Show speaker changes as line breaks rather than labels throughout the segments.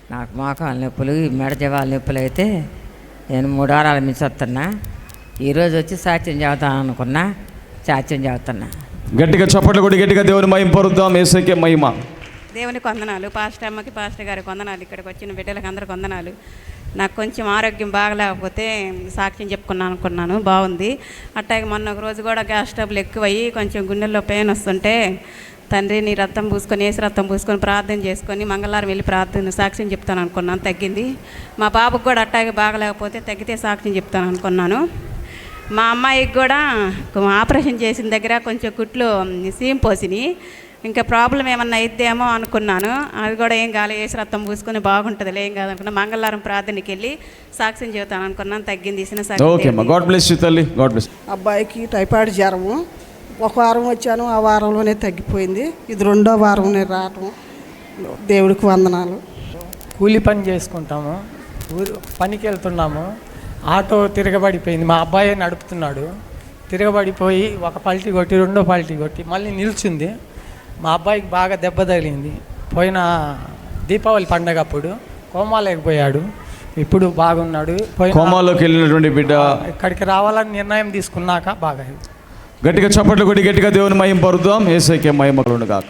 నాకు మోకాల నొప్పులు, మెడ జవాల నొప్పులు అయితే నేను 3 వారాల నుంచి వస్తున్నా. ఈరోజు వచ్చి సాక్ష్యం చెబుతాను అనుకున్నా, సాక్ష్యం చెబుతున్నా.
గట్టిగా చప్పట్లు కొట్టి గట్టిగా దేవుని మహిమ పరుద్దాం. యేసుకే మహిమ.
దేవునికి వందనాలు, పాస్టర్ అమ్మకి, పాస్టర్ గారికి వందనాలు, ఇక్కడికి వచ్చిన బిడ్డలకు అందరికి వందనాలు. నాకు కొంచెం ఆరోగ్యం బాగలేకపోతే సాక్ష్యం చెప్పుకున్నాను అనుకున్నాను, బాగుంది. అట్టాగే మొన్న ఒక రోజు కూడా గ్యాస్ ట్రబుల్ ఎక్కువయ్యి కొంచెం గుండెల్లో పెయిన్ వస్తుంటే తండ్రి నీ రక్తం పూసుకొని, ఏసు రక్తం పూసుకొని ప్రార్థన చేసుకొని మంగళవారం వెళ్ళి ప్రార్థన సాక్ష్యం చెప్తాను అనుకున్నాను, తగ్గింది. మా బాబుకి కూడా అట్టాగే బాగలేకపోతే తగ్గితే సాక్ష్యం చెప్తాను అనుకున్నాను. మా అమ్మాయికి కూడా ఆపరేషన్ చేసిన దగ్గర కొంచెం కుట్లు సీమ్ పోసినాయి, ఇంకా ప్రాబ్లం ఏమన్నా అయిద్దేమో అనుకున్నాను. అది కూడా ఏం కాలే, ఏసు రక్తం పూసుకొని బాగుంటుంది, ఏం కాదనుకున్నా. మంగళవారం ప్రార్థనకి వెళ్ళి సాక్ష్యం చెబుతాను అనుకున్నాను, తగ్గింది.
అబ్బాయికి టైఫాయిడ్ జ్వరము, ఒక వారం వచ్చాను, ఆ వారంలోనే తగ్గిపోయింది. ఇది 2వ వారం నేను రావటం. దేవుడికి వందనాలు.
కూలి పని చేసుకుంటాము, పనికి వెళ్తున్నాము. ఆటో తిరగబడిపోయింది, మా అబ్బాయి నడుపుతున్నాడు. తిరగబడిపోయి ఒక పల్టీ కొట్టి, 2వ పల్టీ కొట్టి మళ్ళీ నిల్చుంది. మా అబ్బాయికి బాగా దెబ్బ తగిలింది. పోయిన దీపావళి పండగ అప్పుడు కోమాలేకపోయాడు, ఇప్పుడు బాగున్నాడు.
కోమాలోకి వెళ్ళినటువంటి బిడ్డ
ఇక్కడికి రావాలని నిర్ణయం తీసుకున్నాక బాగా.
గట్టిగా చప్పట్లు కొట్టి గట్టిగా దేవుని మహిమ పరుద్దాం. యేసుకే మహిమ కలుగునుగాక.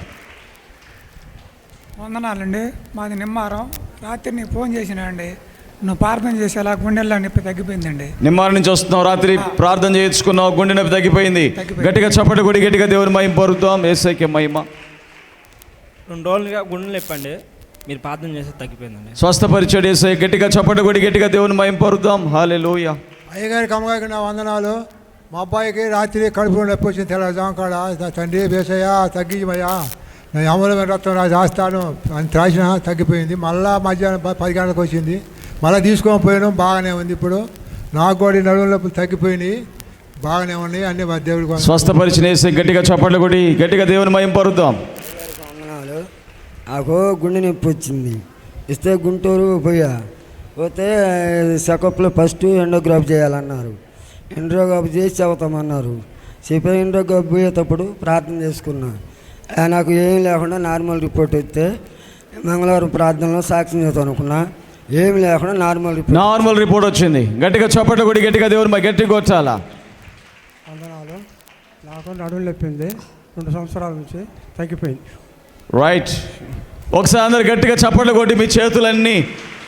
వందనాలండి. మాది నిమ్మారం. రాత్రి నీకు ఫోన్ చేసినాండి, నువ్వు ప్రార్థన చేసేలా గుండెల్లో నొప్పి తగ్గిపోయిందండి.
నిమ్మారం నుంచి వస్తున్నావు, రాత్రి ప్రార్థన చేయించుకున్నావు, గుండె నొప్పి తగ్గిపోయింది. గట్టిగా చప్పట్లు కొట్టి గట్టిగా దేవుని మహిమ పరుద్దాం. యేసుకే మహిమ.
2 రోజులుగా గుండె నొప్పి అండి, మీరు ప్రార్థన చేస్తే తగ్గిపోయిందండి.
స్వస్థపరిచాడు యేసయ్య. గట్టిగా చప్పట్లు కొట్టి గట్టిగా దేవుని మహిమ పరుద్దాం. హల్లెలూయా.
అయ్యగారికి అమ్మగారికి నా వందనాలు. మా అబ్బాయికి రాత్రి కడుపులో నొప్పి వచ్చింది, తెల్లజాము కాడ. తండ్రి వేసయ్యా తగ్గించమయ్యా, నేను అమూలమైన రక్తం నాకు రాస్తాను అని రాసిన, తగ్గిపోయింది. మళ్ళీ మధ్యాహ్నం 10 గంటలకు వచ్చింది, మళ్ళీ తీసుకొని పోయాను, బాగానే ఉంది. ఇప్పుడు నాకు కూడా నడుము నొప్పులు తగ్గిపోయినాయి, బాగానే ఉన్నాయి. అన్ని మా దేవుడికి
స్వస్థపరిచిన యేసయ్య. గట్టిగా చప్పట్లు కొట్టి గట్టిగా దేవుని మహిమ పరుద్దాం.
వందనాలు. నాకు గుండె నొప్పి వచ్చింది, ఇస్తే గుంటూరు పోతే చెకప్లో ఫస్ట్ ఎండోగ్రాఫ్ చేయాలన్నారు. ఎండోగ్రాఫ్ చేసి చెబుతామన్నారు. చెప్పే ఎండోగ్రాఫ్ పోయేటప్పుడు ప్రార్థన చేసుకున్నా, నాకు ఏం లేకుండా నార్మల్ రిపోర్ట్ వస్తే మంగళవారం ప్రార్థనలో సాక్ష్యం చేద్దాం అనుకున్నా, ఏమి లేకుండా నార్మల్
రిపోర్ట్ వచ్చింది. గట్టిగా చప్పట్లు కొట్టి గట్టిగా దేవుని గట్టిగా కొట్టాలా.
వందనాలు. నాకు నడుము నొప్పింది, 2 సంవత్సరాల నుంచి తగ్గిపోయింది.
రైట్. ఒకసారి అందరు గట్టిగా చప్పట్లు కొట్టి మీ చేతులన్నీ